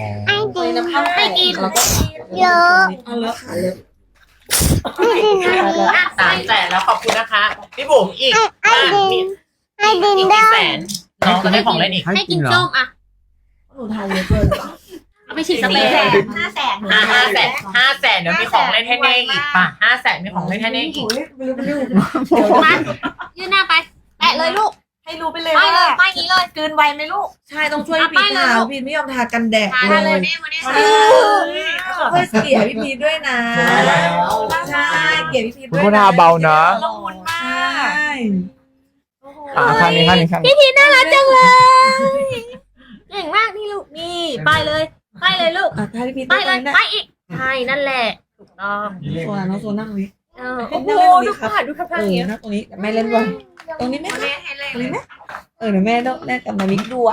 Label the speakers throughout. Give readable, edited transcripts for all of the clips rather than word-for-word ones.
Speaker 1: ไอ้ดิน
Speaker 2: น้ำข้าวให้กินแล้วก็
Speaker 1: เยอะ
Speaker 2: เอาเลยค่ะเลย
Speaker 1: ไอ้ดิน
Speaker 3: 300,000แล้วขอบคุณนะคะพี่บุ๋มอีก
Speaker 1: ไอ้ดินไอ้ดิน
Speaker 3: อีก
Speaker 1: ได้
Speaker 3: กี่แสนน้องจะได้ของเล่นอีก
Speaker 4: ให้กินเหรอ
Speaker 5: ส้มอ่ะ
Speaker 2: หนูทานเยอะเกิน
Speaker 5: เอาไปฉีดสเปรย์
Speaker 3: 500,000 500,000เดี๋ยวมีของเล่นให้เน่อีกป่ะ500,000มีของเล่นให้เน่อีก
Speaker 5: มายืนหน้าไปแปะเลยลูก
Speaker 2: ให้รู้ไปเลย
Speaker 5: ไปเล
Speaker 2: ว่าย
Speaker 5: ไปนี้เลย
Speaker 2: กลืนไวไหมลูกใช่ต้องช่วยพี่พีทาพี่ไม่ยอมทากันแดด
Speaker 5: ทา
Speaker 2: เล
Speaker 5: เลย
Speaker 2: ย
Speaker 5: นี่วันนี้
Speaker 2: ช่วยเสียพี่พีทด้วยนะใช่เกลียดพี่พีทด้วย
Speaker 4: คุณทาเบานะ
Speaker 2: ละมุนมาก
Speaker 4: ข้างนี้ข้างนี้ข้างนี้
Speaker 5: พี่พีน่ารักจังเลยเก่งมากนี่ลูกนี่ไปเลยไปเลยลูก
Speaker 2: ถ้าพี่พีท
Speaker 5: ไปเลย
Speaker 2: นะ
Speaker 5: ไปอีกใช่นั่นแหละถูกต้อง
Speaker 2: โซนน้องโซนนั่งนี้
Speaker 5: โอ้โหดูค่ะดูค่ะ
Speaker 2: นั่งตรงนี้แม่เล่นด้วยตรงนี้ไหมตรงนี้ไหมเดี๋ยวแม่ต้องแลกกับมามิกด้วย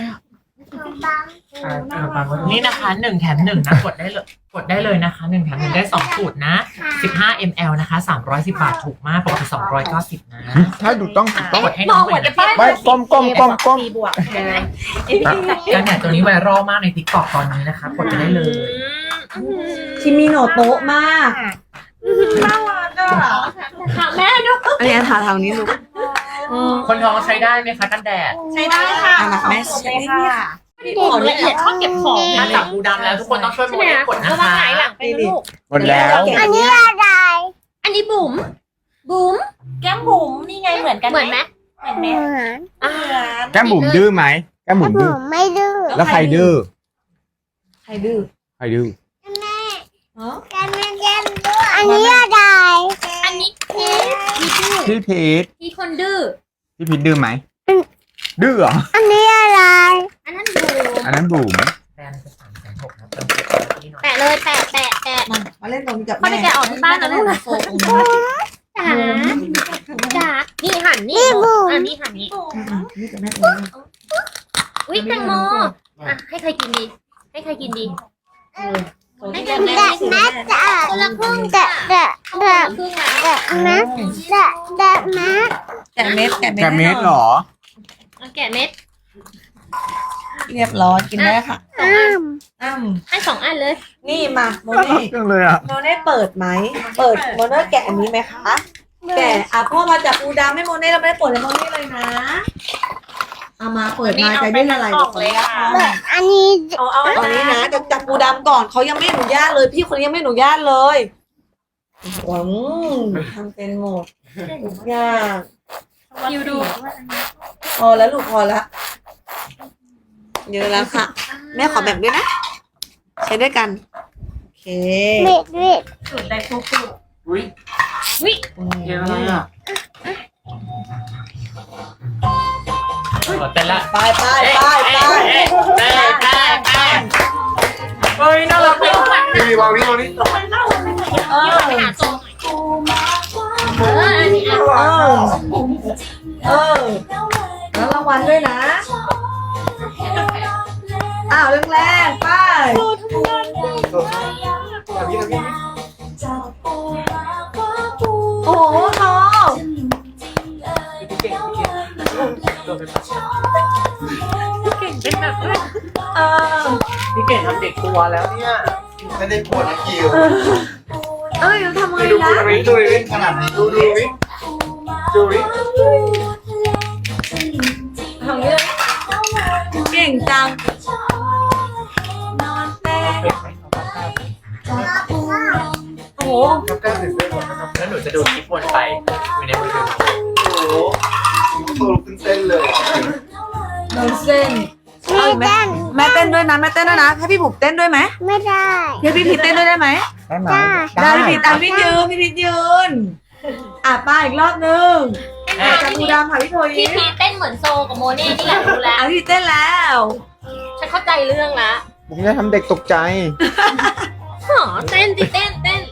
Speaker 3: นี่นะคะ1 แถม 1นะกดได้เลยนะคะ1 แถม 1ได้2สูตรนะ15 ml นะคะ310 บาทถูกมากปกติ290นะ
Speaker 4: ถ้าดูต้อง
Speaker 3: กดให้น้องหน่อยนะ
Speaker 4: ไม่ก้มก้ม
Speaker 2: บวก
Speaker 3: กันเนี่ยตัวนี้ไวรัลมากใน TikTok ตอนนี้นะคะกดไปได้เลย
Speaker 2: ชิมิโนโตะมากน่ารักอ่ะ
Speaker 5: ค่ะแม่ดู
Speaker 2: อันนี้ทาทางนี้ลูก
Speaker 3: คนท้องใช้ได้ไหมคะกันแดด
Speaker 5: ใช้ได้ค่ะ
Speaker 2: แม่ใช้ค่ะ
Speaker 5: ขอละเอียดชอบเก็บของ
Speaker 3: ถ้าจับปูดำแล้วทุกคนต้องช่วยโม
Speaker 5: ใช่ไหม
Speaker 3: เดลกดนะ
Speaker 5: ระวัง
Speaker 3: คะ
Speaker 5: หงายหลังไปนะลูก
Speaker 4: หมดแล้ว
Speaker 1: อันนี้อะไร
Speaker 5: อันนี้บุ๋มบุ๋ม
Speaker 2: แก้มบุ๋มนี่ไงเหมือนกัน
Speaker 5: เหมือนไหม
Speaker 1: เหมือน
Speaker 4: แก้มบุ๋มดื้อไหมแก้มบุ๋ม
Speaker 1: ผ
Speaker 4: ดื้อ
Speaker 1: มไม่ดื้อ
Speaker 4: แล้วใครดื้อ
Speaker 2: ใครดื้อ
Speaker 4: ใครดื้อ
Speaker 1: กันไม่ดื้ออันนี้อะไร
Speaker 5: อันนี้พีท
Speaker 4: พี่พีท
Speaker 5: พีทคนดื้อ
Speaker 4: พี่พีทดื้อไหมดื้อเหรอ
Speaker 1: อันนี้อะไร
Speaker 5: อันนั้นบุ๋ม
Speaker 4: อันนั้นบุ๋ม
Speaker 3: แบรนด์จะ360,000นะเติมเงินที่หน่อย
Speaker 5: แปะเลยแปะแปะแปะ
Speaker 2: มาเล่นตรงนี้กับ
Speaker 5: พ่อไปแกะออกที่บ้านนะลูกนะ
Speaker 2: โซนตรงนี้
Speaker 5: จ๋าจ๋านี่หันนี่อันนี้หันนี่
Speaker 2: นี่กับแม่ตรงนี้
Speaker 5: อุ้ยแตงโมอ่ะให้ใครกินดี ให้ใครกินดี ให้ใครกิน
Speaker 1: แดดแมสจ้ะ
Speaker 5: คนละครึ่ง
Speaker 1: แด
Speaker 5: จ้ะ
Speaker 1: ดแดด
Speaker 5: คน
Speaker 1: แด
Speaker 5: ละ
Speaker 1: ด
Speaker 5: ครึ่งแล้ว
Speaker 1: แดดแมสแดดแดดแมส
Speaker 2: แกะเม็ด
Speaker 4: แกเม็ดเหรอ
Speaker 5: เอาแกะเม็ด
Speaker 2: เรียบร้อยกินได้ค่ะ
Speaker 1: อ้าม
Speaker 2: อ้ำ
Speaker 5: ให้2 อันเลย
Speaker 2: นี่มาโม
Speaker 4: น่ารั
Speaker 2: เน่
Speaker 4: กจังเลยอ่ะ
Speaker 2: โมเน่เปิดไหมเปิดโมเน่แกะอันนี้ไหมคะแกะพ่อมาจับปูดำให้โมเน่เราไม่ได้เปิดให้โมเน่เลยนะเอามาเปิดมาใจได้ละลายกับคนละ
Speaker 1: แบบอันนี้
Speaker 2: เอาอันนี้นะจะจับปูดำก่อนเขายังไม่อนุญาตเลยพี่คนนี้ยังไม่อนุญาตเลยหวังทำเป็นหมดทุกอย่าง
Speaker 5: คิวดู
Speaker 2: พอแล้วลูกพอแล้วเยอะแล้วค่ะ แม่ขอแบ่งด้วยนะ ใช้ด้วยกัน โอเค
Speaker 1: เบ็ดเบ็ด
Speaker 5: สุดได้ฟุก
Speaker 3: อุ้ย
Speaker 5: วิ
Speaker 3: เยอะเลยอ่ะเต้นละ
Speaker 2: ไปไปไปไป
Speaker 3: เฮ้ยน่ารักเลย
Speaker 4: พี่วางนี่วางนี่
Speaker 2: เออ
Speaker 5: ไปหาโซนอันนี้อ่ะ
Speaker 2: เออแล้วรางวัลด้วยนะ อ้าวแรงๆไปโอ้โหน้อง
Speaker 3: เป็นแบบด้วย
Speaker 2: เออ
Speaker 3: พี่เก่งทำเด็กตัวแล้วเนี่ย
Speaker 6: ไม่ได้ปวดนะคิว
Speaker 2: เอ้ยทำไงนะ
Speaker 6: ดูดิขนาดนี้ดูดิดูดิ
Speaker 2: ทำเรื่องเก่งจังนอนแน่โอ้โห
Speaker 6: ทำกล้ามเสร็จได้หมดนะครับ
Speaker 3: แล้วหนูจะดูคลิปวนไปอยู่ในมือถือ
Speaker 6: โอ้โหโตขึ้นเส้นเลย
Speaker 2: โดนเส้น
Speaker 1: ไม่ได้
Speaker 2: แม่เต้นด้วยนะแม่เต้นด้วยนะให้พี่บุ๋มเต้นด้วยไหม
Speaker 1: ไม่ได้
Speaker 2: ให้พี่พีทเต้นด้วยได้ไหม
Speaker 4: ได้ไหม
Speaker 2: ได้พี่พีทพี่พีทยืนป้าอีกรอบนึงจับปูดำค่ะพี่โทย
Speaker 5: พี่พีเต้นเหมือนโซกับโมเน่นี่แหละรู้แล้ว
Speaker 2: พี่เต้นแล้ว
Speaker 5: ฉันเข้าใจเรื่องละ
Speaker 4: ผมจะทำเด็กตกใจ
Speaker 5: หอเต้นดิเต้นเต้น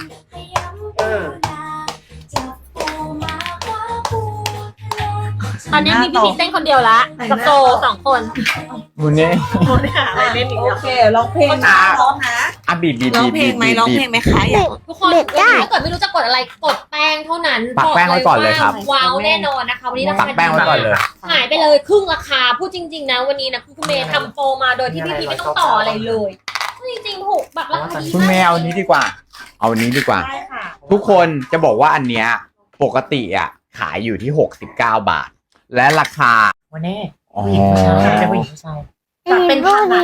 Speaker 6: เออ
Speaker 5: ตอนนี้มีพี่พีชเต้นคนเดียวละกับโซ2 คน
Speaker 4: วันนี้
Speaker 5: โมได้หาอะไรเล่นอีก
Speaker 2: โอ
Speaker 5: แล้ว
Speaker 2: เคร้องเพลงนะร้องนะ
Speaker 4: อ่ะบีบ
Speaker 2: ร้องเพลงไหมร้องเพลงไหมคะอยาก
Speaker 5: ทุกคนถ้าเกิดไม่รู้จะกดอะไรกดแป้งเท่านั้น
Speaker 4: ปักแป้งไว้ก่อนเลยครับ
Speaker 5: ว้าวแน่นอนนะคะวันนี้รา
Speaker 4: ปั
Speaker 5: คาก
Speaker 4: แป้งไว้ก่อนเลย
Speaker 5: หายไปเลยครึ่งราคาพูดจริงๆนะวันนี้นะคุณเมย์ทำโปรมาโดยที่พี่พีชไม่ต้องต่ออะไรเลยจริงๆถูกแบบราคาดี
Speaker 4: คุณ
Speaker 5: มาก
Speaker 4: แม่เอานี้ดีกว่า เอานี้ดีกว่า
Speaker 2: ได้ค่ะ
Speaker 4: ทุกคนจะบอกว่าอันเนี้ยปกติอ่ะขายอยู่ที่69 บาท และราคา
Speaker 3: วันนี้
Speaker 4: อ๋อ
Speaker 3: ผู้หญิงผู้ชายจะผู้หญิงผู้ชาย
Speaker 5: เป็นพันนะ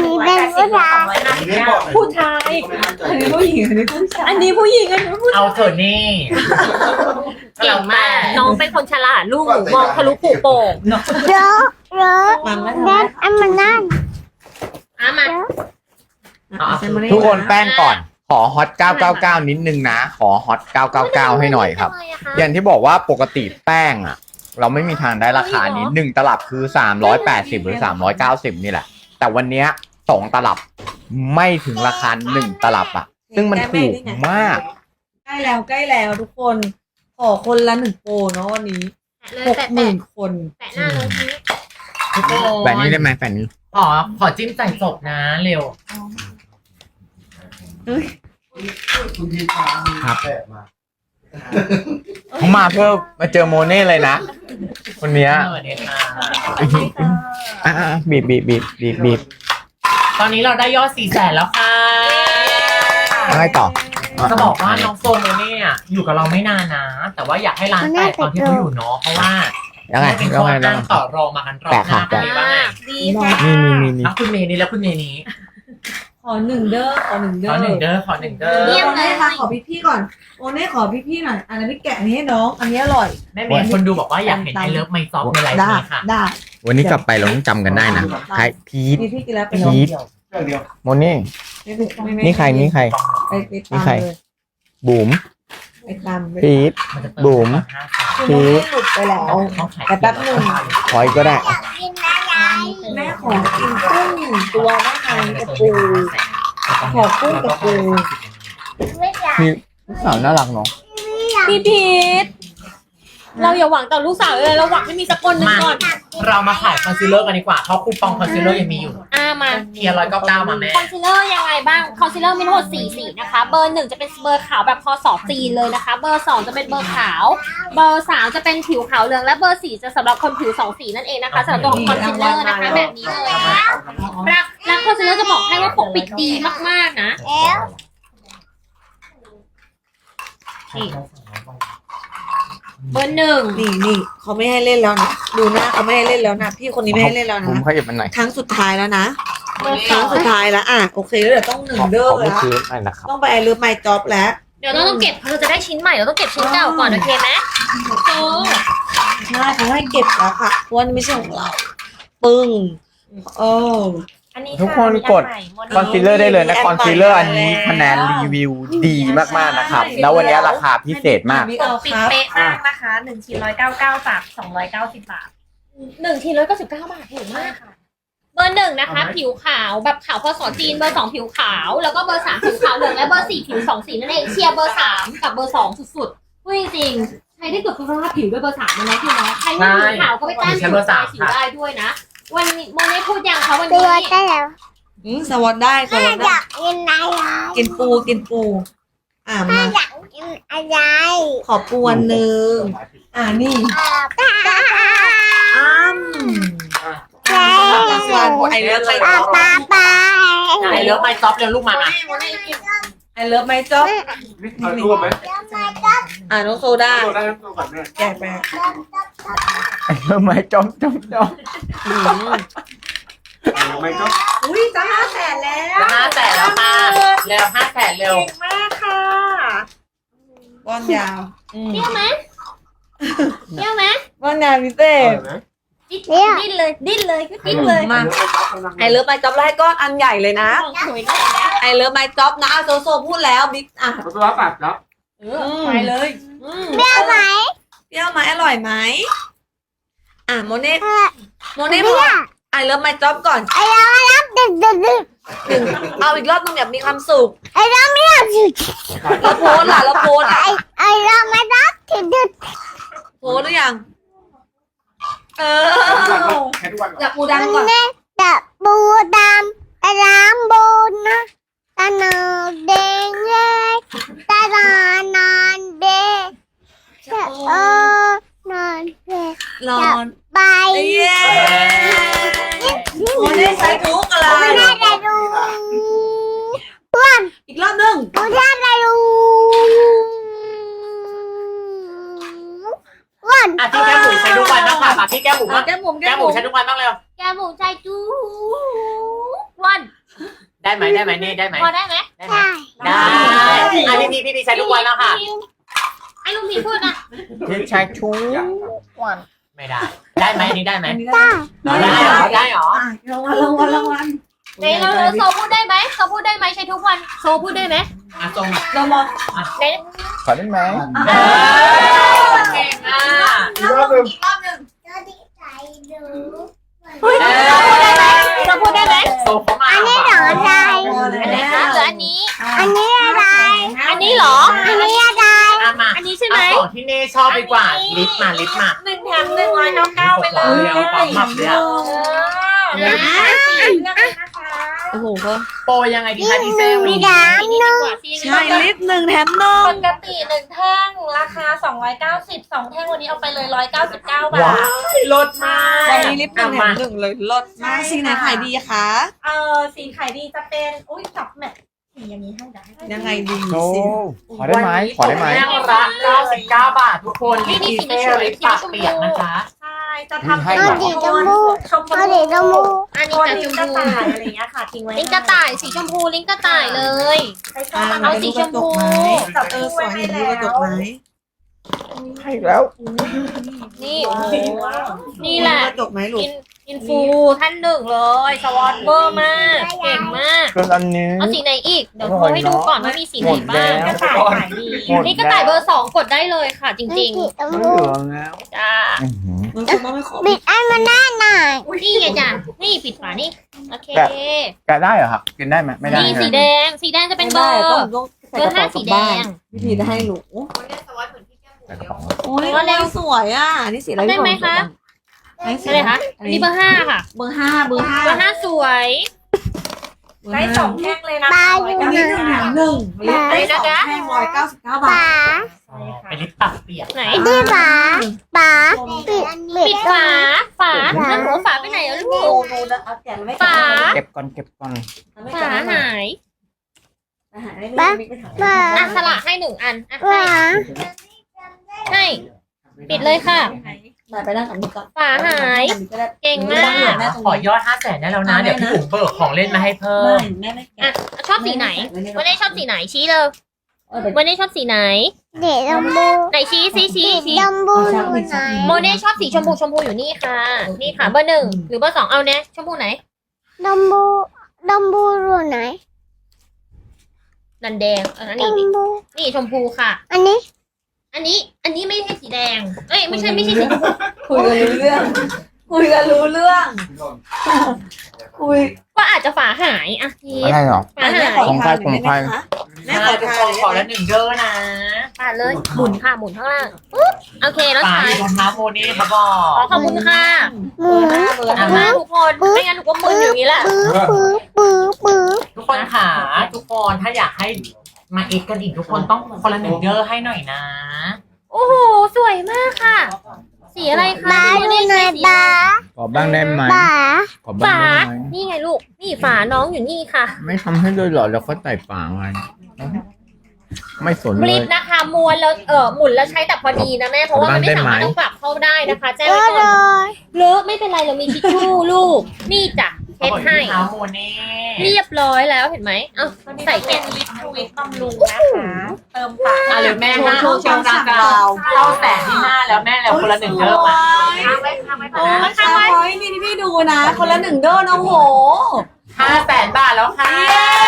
Speaker 2: ผู้ชายอันนี้ผู้หญิงอันนี้ผู้ชาย
Speaker 5: อันนี้ผู้หญิงอันนี้ผู้ชาย
Speaker 3: เอาเถอะนี่
Speaker 5: เก่งมากน้องเป็นคนฉลาดลูกหนูมองทะลุปูโป่ง
Speaker 2: มันไม่
Speaker 1: นั่นอันมันนั่น
Speaker 5: มา
Speaker 4: ทุกคนแป้งก่อน ขอฮอต999 นิดนึงนะ ขอฮอต999 ให้หน่อยครับ อย่างที่บอกว่าปกติแป้งอ่ะ เราไม่มีทางได้ราคานี้1 ตลับคือ380หรือ390นี่แหละ แต่วันเนี้ย2 ตลับไม่ถึงราคา1 ตลับอ่ะ ซึ่งมันถูกมาก
Speaker 2: ใกล้แล้วทุกคนขอคนละ1 โปรเนาะวันนี้
Speaker 5: เลยแต่
Speaker 2: 60,000 คน
Speaker 5: แต่หน้าน้องพีช
Speaker 3: ทุกคน
Speaker 4: แบบนี้ได้ไหมแบบนี้
Speaker 3: ขอจิ้มใส่ศพนะเร็ว
Speaker 6: คุณพีชา
Speaker 4: ครับ
Speaker 6: แปะมา
Speaker 4: เขามาเพื่อมาเจอโมเน่เลยนะ คนเนี้ย
Speaker 3: เนี่ยค่ะ
Speaker 4: อ่ะบีบ
Speaker 3: ตอนนี้เราได้ยอด400,000แล้วค่ะ
Speaker 4: อะไรต่อ
Speaker 3: จะบอกว่าน้องโซโมเนี่ยอยู่กับเราไม่นานนะ แต่ว่าอยากให้ร้านแตกตอนที่เขาอยู่เนาะเพราะว่า
Speaker 4: ยังไง
Speaker 3: เป็น
Speaker 4: ยั
Speaker 3: ข้
Speaker 4: ง
Speaker 3: อ
Speaker 4: ไง
Speaker 3: อ้างต่อรองมากันรอบหน้าเป็นไงบ้างอะ
Speaker 5: ดีค่ะ
Speaker 4: นี่
Speaker 3: แล้วคุณเมย์นี่แล้วคุณเมย์นี้
Speaker 2: ขอ1 เด้อขอ1 เด้
Speaker 3: ข
Speaker 2: อ
Speaker 3: อหนึ่งเด้อขอหนึ่งเด้อ
Speaker 2: โอเน่ค่ะขอพี่ก่อนโอเน่ขอพี่หน่อยอันนี้พี่แกะนี้ให้น้องอันนี้อร่อย
Speaker 3: แม่เมย์คนดูบอกว่าอยากเห็นไอเลิฟไมซอฟในไลฟ์
Speaker 2: ได้
Speaker 3: นี้ค่ะ
Speaker 2: ได้
Speaker 4: วันนี้กลับไปเราต้องจำกันได้นะใครพีท
Speaker 2: พี่กินแล้วเป็น
Speaker 4: พีท
Speaker 6: เรื่องเดียว
Speaker 4: โมเน่ นี่ใคร
Speaker 2: ไปตามเลย
Speaker 4: บุ๋ม
Speaker 2: ไปตามเลย
Speaker 4: พีท
Speaker 3: มันจะเติ
Speaker 4: บุ๋ม
Speaker 2: คือโมเน่หลุดไปแล้ว
Speaker 3: ต้องขาย
Speaker 2: แต่แป๊บหนึ่ง
Speaker 4: คอยก็ได้
Speaker 1: กินอะไร
Speaker 2: แม่ขอกินกุ้งตัวแม่ไทยกับปูขอกุ้งกับปู
Speaker 1: ไม่อยาก
Speaker 4: มีลูกสาวน่ารักเนาะ
Speaker 5: พี่พีชเราอย่าหวังต่อลูกสาวเลยเราหวังให้มีสักคนหนึ่งก่อน
Speaker 3: เรามาขายคอนซีลเลอร์กันดีกว่าเพราะคูปองคอนซีลเลอร์ยังมีอยู่
Speaker 5: มา
Speaker 3: เทียร์199มาแม่
Speaker 5: คอนซีลเลอร์ยังไงบ้างคอนซีลเลอร์มีทั้งหมด4 สีนะคะ เบอร์ 1จะเป็นเบอร์ขาวแบบพอสอจีนเลยนะคะ เบอร์ 2จะเป็นเบอร์ขาว เบอร์ 3จะเป็นผิวขาวเหลืองและเบอร์ 4จะสำหรับคนผิว2 สีนั่นเองนะคะสำหรับตัวคอนซีลเลอร์นะคะแบบนี้เลยรักคอนซีลเลอร์จะบอกให้ว่าปกปิดดีมากๆนะ
Speaker 1: แล้ว
Speaker 5: เบอร์ 1
Speaker 2: นี่เขาไม่ให้เล่นแล้วนะดูหน้าเขาไม่ให้เล่นแล้วนะพี่คนนี้ไม่ให้เล่นแล้ว
Speaker 4: บุ๋ม
Speaker 2: นะ
Speaker 4: ขยับมันหน่อย
Speaker 2: ครั้งสุดท้ายแล้วนะ
Speaker 5: เบอร์
Speaker 2: ครั้งสุดท้ายแล้วอ่ะโอเคแล้วเดี๋ยวต้อง1 เด้อ
Speaker 4: ขอ
Speaker 2: แล้
Speaker 4: เมื่อ
Speaker 2: ว
Speaker 4: คืนหน่อยนะครับ
Speaker 2: ต้องไปไอเลิฟไมจ็อบแล้ว
Speaker 5: เดี๋ยวเราต้องเก็บเราจะได้ชิ้นใหม่เราต้องเก็บชิ้นเก่าก่อนโอเคไหมโอ้
Speaker 2: ใช่เขาให้เก็บแล้วค่ะเพราะว่านี่ไม่ใช่ของเราปึ้งโอ้
Speaker 5: อันนี้
Speaker 4: ทุกคนกดคอนซีลเลอร์ได้เลยนะคอนซีลเลอร์อันนี้คะแนนรีวิวดีมากๆนะครับ แล้ววันนี้ราคาพิเศษมาก
Speaker 2: มิกเอา
Speaker 7: ปิ
Speaker 2: ค
Speaker 7: ด
Speaker 2: รับ
Speaker 7: เป๊ะมากนะคะ1 ชิ้น 199 จาก 290 บาท
Speaker 5: 1 ชิ้น199 บาทถูกมากค่ะ เบอร์ 1นะคะ ผิวขาวแบบขาวพอสอจีนเบอร์ 2 ผิวขาว แล้วก็เบอร์ 3 ผิวขาวเหลืองและเบอร์ 4 ผิว2 สีนั่นเองเชียร์เบอร์ 3 กับเบอร์ 2 สุดๆพูดจริงๆใครได้เกิดคุณภาพผิวด้วยเบอร์ 3นะพี่เนาะใครไม่ผิวขาวก็ไปแต้มผิวลายผิวได้ด้วยนะ วันนี้โมเน่พูดยังคะวัน
Speaker 1: ตั
Speaker 5: นี้
Speaker 1: วได้แล้ว
Speaker 2: สวัสดีได้สวัส
Speaker 1: อ
Speaker 2: ดี
Speaker 1: ยากกินอะไร
Speaker 2: กินปูอ่ะมา
Speaker 1: อยากกินอะไร
Speaker 2: ขอปูอันหนึ่งนี่
Speaker 1: ป้า
Speaker 2: อ้ำวันไอเลิฟไมจ็อบ
Speaker 1: ป้า
Speaker 3: ไอเลิฟไมซอฟเร็วลูกมามา
Speaker 2: ไอเลิฟไมจ็อบ
Speaker 6: เอารูปไหม
Speaker 2: น้องโซดา
Speaker 6: รูปได้รูปก่อนแม่
Speaker 2: แกะไป
Speaker 4: เริ่มไหมจอม
Speaker 6: ไม่ก็
Speaker 2: อุ้ยจะ500,000แล้ว
Speaker 3: 500,000แล้วค่ะเร็ว500,000เร็ว
Speaker 2: มากค่ะบอลยาว
Speaker 5: เที่ยวไหมเที่ยวไหม
Speaker 2: บอลยาวพิเศษ
Speaker 5: ดิ้นเลยดิ้นเลยก็ดิ้นเลย
Speaker 2: มาไอเลิฟไมจ็อบไล่ก้อนอันใหญ่เลยนะ
Speaker 5: ของสวยได้แล้ว
Speaker 2: ไอเลิฟไมจ็อบนะโซโซพูดแล้วบิ๊ก
Speaker 6: ตัวรับแบบแล้ว
Speaker 2: ไปเลยเปรี้ยวไหมเปรี้ยวไหมอร่อยไหมโมเน่บอกไอเลิฟไมจ็อบก่อน
Speaker 1: ดึก
Speaker 2: เอาอีกรอบนึงแบบมีความสุข
Speaker 1: ไอ้เราไม่อยากอยู่
Speaker 2: แล้วโพสล่ะแล้วโพสอ่ะ
Speaker 1: ไอ้เราไม่รักที่ดึก
Speaker 2: โพสหรือยัง
Speaker 6: แค่ทุกวัน
Speaker 2: จับปูดำก่อน
Speaker 1: แต่ปูดำแต่น้ำบูนะตาหนาแดงเลยตาลานานเดนานเด
Speaker 2: รอน
Speaker 1: ไป
Speaker 2: เย้โมเน่ใช้ทุกอะไร
Speaker 1: ปูน่าจะดู
Speaker 2: อีกรอบหนึง
Speaker 1: ปูน่าจะดูวัน
Speaker 3: อ่ะพี่แก้มหมูใช้ทุกวันนะคะมาพี่แก้มหมูบ้าง
Speaker 2: แก้มหมุม
Speaker 3: แก้มหมูใช้ทุกวันบ้างเร็ว
Speaker 5: แกหมูใจจูวัน
Speaker 3: ได้ไหมนี่ได้ไหม
Speaker 5: พอได้ไหม
Speaker 3: ได้ไหม
Speaker 1: ได้
Speaker 3: ได้อ่ะพี่ใช้ทุกวันแล้วค่ะ
Speaker 5: ไอ้ลุงพีพูดนะ
Speaker 4: พี่ชายชู
Speaker 3: ไม่ได้ ได้ไหมนี่ได้ไหม
Speaker 1: ได้
Speaker 3: ได้เหรอ
Speaker 2: รางวัล
Speaker 5: ไหนเราโซพูดได้ไหมโซพูดได้ไหมใช้ทุกวันโซพูดได้ไหม
Speaker 3: อ่ะตรง
Speaker 2: เรามอง
Speaker 5: ไหน
Speaker 4: ขอได้ไหม
Speaker 3: เก่งอ่ะ
Speaker 6: อีกรอบหนึ่ง
Speaker 1: ก็ดีใจดู
Speaker 5: โซพูดได้ไหม
Speaker 3: โซเขามา
Speaker 1: อันนี้เหรอใจ
Speaker 5: อันไหนคะหรืออันนี้
Speaker 1: อันนี้อะไร
Speaker 5: อันนี้เหรอ
Speaker 1: อันนี้อะไร
Speaker 3: อ่ะมา
Speaker 5: อันนี้ใช่ไหม
Speaker 3: ของที่เน่ชอบดีกว่าลิฟต์มา
Speaker 5: 1 แถม 199ไปเลย
Speaker 3: เอาปั๊มหมับเลยอ่ะ
Speaker 5: เลือกเลยนะคะ
Speaker 2: โอ้โห
Speaker 3: โปรยังไงดีคะดีเซล
Speaker 1: มี
Speaker 3: นี่
Speaker 1: ดำ
Speaker 5: ดีกว่าซี
Speaker 2: ใช่ลิฟต์1 แถม 1
Speaker 7: ปกติ1แท่งราคา290 2แท่งวันนี้เอาไปเลย199 บา
Speaker 3: ว้า
Speaker 7: ท
Speaker 3: ยลดมาก
Speaker 2: วันนี้ลิฟต์1 แถ
Speaker 3: มาม
Speaker 2: 1เลยลดมากสีไหนขายดีคะ
Speaker 7: สีขายดีจะเป็นอุ้ยจับแมทสีอย่างนี้ให้ได้
Speaker 2: ยังไงดี
Speaker 4: โอ้
Speaker 2: สิ
Speaker 4: ขอได้ไหมขอได้ไหม
Speaker 3: แท่งละ99 บาททุกคนลิฟต์ดีเซลลิฟต์ปากเปียกนะคะ
Speaker 7: ใช่จะทำ
Speaker 4: ให้
Speaker 1: เอา
Speaker 4: เหรอ
Speaker 1: ดีจมูก
Speaker 7: ชมพู
Speaker 1: เอาดีจมูก
Speaker 5: อันนี้
Speaker 7: ตัว
Speaker 5: กับ
Speaker 7: ลิ
Speaker 5: ช
Speaker 7: ง
Speaker 5: ม
Speaker 7: กระ
Speaker 5: พู
Speaker 7: ต่ายอะไรอย่างเงี้ยค่ะทิ้งไว้
Speaker 5: ลิงกระต่ายสีชมพูลิงกระต่ายเลย
Speaker 7: ใช้ชอบ
Speaker 5: เอาสีชมพู
Speaker 7: จับ
Speaker 2: สวยเห็นดูกระจกไหม
Speaker 4: ให้แล้ว
Speaker 5: นี่โอ้โหนี่แหละ
Speaker 2: กระจกไหมลูก
Speaker 5: อินฟูท่านหนึ่งเลยสวอตเวอร์มากเก่งมาก
Speaker 4: ส่วนอันนี้
Speaker 5: เอาสีไหนอีกเดี๋ยวโทรให้ดูก่อนว่ามีสีไหนบ้าง
Speaker 7: กระต่ายขายดี
Speaker 4: หมด
Speaker 5: นี่กระต่ายเบอร์ 2กดได้เลยค่ะ จริง
Speaker 1: จ
Speaker 4: ไม่
Speaker 1: มู
Speaker 4: เหลื
Speaker 1: ก
Speaker 4: อแล้ว
Speaker 5: ๆจ้า
Speaker 4: อื้อหือ
Speaker 2: มันคุณต้องไม่ขอ
Speaker 1: บิดอันมันได้หน่อย
Speaker 5: นี่ไงจ้ะนี่ปิดฝานี่โอเค
Speaker 4: แกะได้เหรอครับกินได้ไหมไม่ได้
Speaker 5: นี่
Speaker 4: ใช่
Speaker 5: สี
Speaker 4: ไหม
Speaker 5: แดงสีแดงจะเป็นเบอร์
Speaker 2: ต้องใส่กระเป๋า
Speaker 5: 5 สี
Speaker 2: ก
Speaker 5: แด
Speaker 2: ลับบ้าน
Speaker 5: ง
Speaker 2: วิธีได้หนู
Speaker 4: ใส่กระเป๋า
Speaker 2: โอ้ยเร็วสวยอ่ะนี่สีอะไร
Speaker 5: ได้ไหมคะ
Speaker 2: สี
Speaker 5: อะไรคะอันนี้เบอร์ 5 ค่ะ
Speaker 2: เบอร์ 5 เบอร์
Speaker 5: เบอร์ 5 สวย
Speaker 7: ได้2แท่งเลยนะ
Speaker 1: บา
Speaker 7: คะ
Speaker 1: อยู่
Speaker 2: อัน
Speaker 1: ไหน
Speaker 2: นี้1 แถม 1ลิฟต์ได้2 แท่ง199 บา
Speaker 1: ป๋า
Speaker 2: ท
Speaker 3: เป็นลิฟต์ปากเปียก
Speaker 5: ไหน
Speaker 1: นี่ป๋าปิด
Speaker 5: ปิดฝาแล้วหนูฝาไปไหนอะลูก
Speaker 2: ดูนะเอาแกะแล้วไม่
Speaker 5: ฝา
Speaker 4: เก็บก่อนเก็บก่อน
Speaker 5: ฝาหาย
Speaker 2: หายไม่มีปัญหา
Speaker 1: ป๋า
Speaker 5: อ่ะสละให้1 อันอ่ะ
Speaker 1: ป๋า
Speaker 5: ให้ปิดเลยค่ะ
Speaker 2: ไปนั่งกับนี่ก่อน
Speaker 5: ฝาหาย เก่งมาก
Speaker 3: ขอยอด500,000ได้แล้วนะ เดี๋ยวพี่บุ๋มเบิกของเล่นมาให้เพิ่ม
Speaker 2: แม่ไม่แกะ
Speaker 5: อ่ะชอบสีไหนวันนี้ชอบสีไหนชี้เลยวันนี้ชอบสีไหน
Speaker 1: เด็กจมูก
Speaker 5: ไหนชี้
Speaker 1: เด็กจมูกอยู่ไหน
Speaker 5: โมเน่ชอบสีชมพูอยู่นี่ค่ะ นี่ค่ะเบอร์ 1หรือเบอร์ 2เอาเนี่ยชมพูไหน
Speaker 1: จมูกอยู่ไหน
Speaker 5: นันแดงอัน
Speaker 1: จ
Speaker 5: นี้
Speaker 1: มูก
Speaker 5: นี่ชมพูค่ะ
Speaker 1: อันนี้
Speaker 5: อันนี้ไม่ใช่สีแดงเอ้ยไม่ใช่สีชมพู
Speaker 2: คุยกันรู้เรื่อง คุยกันรู้เรื่อง คุย
Speaker 5: ก็อาจจะฝาหายอ่ะพี
Speaker 4: อะไรเหรอ
Speaker 5: ฝาหาย
Speaker 4: ของใครของใคร
Speaker 2: แม่
Speaker 3: แม่
Speaker 2: ขอ
Speaker 3: ทุก
Speaker 2: ทา
Speaker 3: คนขอละ1เด้อนะ
Speaker 5: ฝาเลยหมุนค่ะหมุนข้างล่างปุ๊บโอเคแล้ว
Speaker 3: ฝา
Speaker 5: ใช้
Speaker 3: อยู่รองเท้าโมนี่ครับบอก
Speaker 5: ขอบคุณค่ะ
Speaker 1: หมู
Speaker 2: เบอร์
Speaker 5: ขอบคุณมากทุกคนไม่งั้นหนูก็มึนอยู่อย่างนี้แหละ
Speaker 1: ปื้อ
Speaker 3: ทุกคนค่ะทุกคนถ้าอยากให้มาเอ็กกันอีกทุกคนต้องคนละ1เด้อให้หน่อยนะ
Speaker 5: โอ้โหสวยมากค่ะ สีอะไรคะ
Speaker 1: ป๋าอยู่ไหนป๋า
Speaker 4: ขอบ้างได้ไหม
Speaker 1: ป๋า
Speaker 4: ขอบ้าง
Speaker 5: ฝา
Speaker 4: ได้ไหม
Speaker 5: นี่ไงลูกนี่ฝาน้องอยู่นี่ค่ะ
Speaker 4: ไม่ทำให้ด้วยเหรอแล้วก็ใส่ฝาไว้ไม่สน
Speaker 5: บ
Speaker 4: เล
Speaker 5: ลิ
Speaker 4: ย
Speaker 5: ปนะคะม้วนแล้วหมุนแล้วใช้แต่พอดีนะแม่เพราะว่ามันไม่สามารถต้องปรับเข้าได้นะคะแจ้ง
Speaker 1: เย
Speaker 5: ไว้
Speaker 1: อะ
Speaker 5: ก่
Speaker 1: เล
Speaker 5: อน
Speaker 1: ย
Speaker 5: เลอะไม่เป็นไรเรามีทิชชู่ลูกนี่จ้ะเช็ดให้
Speaker 3: รองเท้าโมนี่
Speaker 5: เรียบร้อยแล้วเห็นไหมเอ้าใส่
Speaker 7: เป็
Speaker 5: แกะ
Speaker 7: นลิปทวิตบำรุงนะคะ เติมปาก
Speaker 3: อ่ะเลยแม่
Speaker 2: โช
Speaker 3: ห้า
Speaker 2: ว์โชว์
Speaker 3: เชียวราคาเข้าแสนที่5แล้วแม่แล้วคนละ1เด้อมา
Speaker 7: ค้างไว้ค้างไว้ก่
Speaker 2: โอ้
Speaker 7: อนนะ
Speaker 2: ยชาวพอยต์นี่ที่พี่ดูนะ คนละ1 เด้อนะโอ้โห
Speaker 3: 500,000 บาทแล้วค่ะ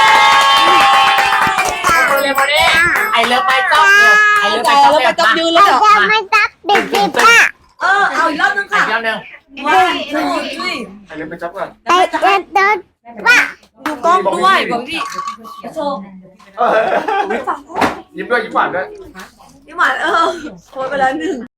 Speaker 3: เร็วๆเลยไอเลิฟไมจ๊อบเนี่ยไอเลิฟไม
Speaker 2: ใจ
Speaker 3: จ๊อบ
Speaker 2: แล้ว
Speaker 3: เนี่ย
Speaker 2: มาจับ
Speaker 3: มา
Speaker 2: ยืนแล้วเดี๋ยว
Speaker 1: จะไม่ตักเด็กสิป้า
Speaker 2: เอาอีกรอบนึง
Speaker 3: อี
Speaker 2: ค่ะ
Speaker 3: กรอบหนึง
Speaker 2: ว้าวช่วย
Speaker 6: ไปเล่นไปจับก่อน
Speaker 1: ไอ้เด็ก
Speaker 2: ดูกล้องด้วยบอกพี่โชว์
Speaker 6: ยิ้มด้วยยิ้มหวานด้วย
Speaker 2: พี่หวานโพสไปแล้ว1